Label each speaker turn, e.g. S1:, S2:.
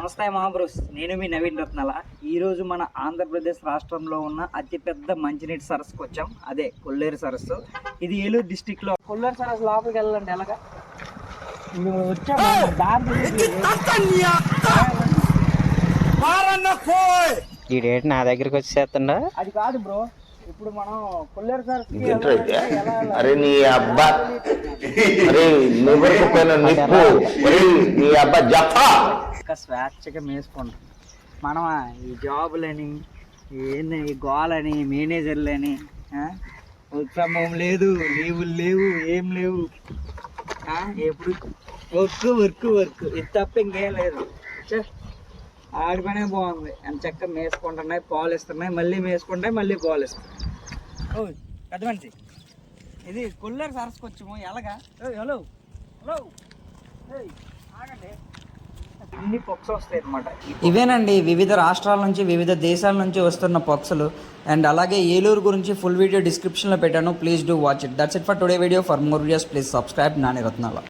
S1: నమస్తే మహాబ్రోస్, నేను మీ నవీన్ రత్నాల. ఈరోజు మన ఆంధ్రప్రదేశ్ రాష్ట్రంలో ఉన్న అతిపెద్ద మంచినీటి సరస్సుకు వచ్చాం. అదే కొల్లేరు సరస్సు. ఇది ఏలూరు డిస్టిక్లో. కొల్లేరు సరస్సు లోపలికి వెళ్ళాలండి ఎలాగా
S2: ఈ డేట్ నా దగ్గరికి వచ్చేస్తుండ.
S1: అది కాదు బ్రో, ఇప్పుడు మనం కొల్లేరు సరస్సు
S3: అరే నీ అబ్బా, అరే నీ అబ్బా జఫా
S1: స్వేచ్ఛగా మేసుకుంటాం. మనం ఈ జాబులని ఏంది, ఈ గోలని, మేనేజర్లని, వర్క్ ఫ్రమ్ హోమ్ లేదు, లీవులు లేవు, ఏం లేవు. ఎప్పుడు వర్క్ వర్క్ వర్క్, ఇది తప్ప ఇంకేం లేదు. ఆడి పనే బాగుంది. అని చక్కగా మేసుకుంటున్నాయి, పాలు ఇస్తున్నాయి, మళ్ళీ మేసుకుంటాయి, మళ్ళీ పాలు ఇస్తున్నాయి. ఓ పెద్ద మనిషి, ఇది కొల్లేరు సరస్సుకు వచ్చాము. ఎలాగా హలో హలో ఆగండి. ఇన్ని పక్షులు వస్తాయి అన్నమాట. ఇవేనండి వివిధ రాష్ట్రాల నుంచి, వివిధ దేశాల నుంచి వస్తున్న పక్షులు. అండ్ అలాగే ఏలూరు గురించి ఫుల్ వీడియో డిస్క్రిప్షన్లో పెట్టాను. Please do watch it. That's it for today video. For more videos please subscribe Nani రత్నాల.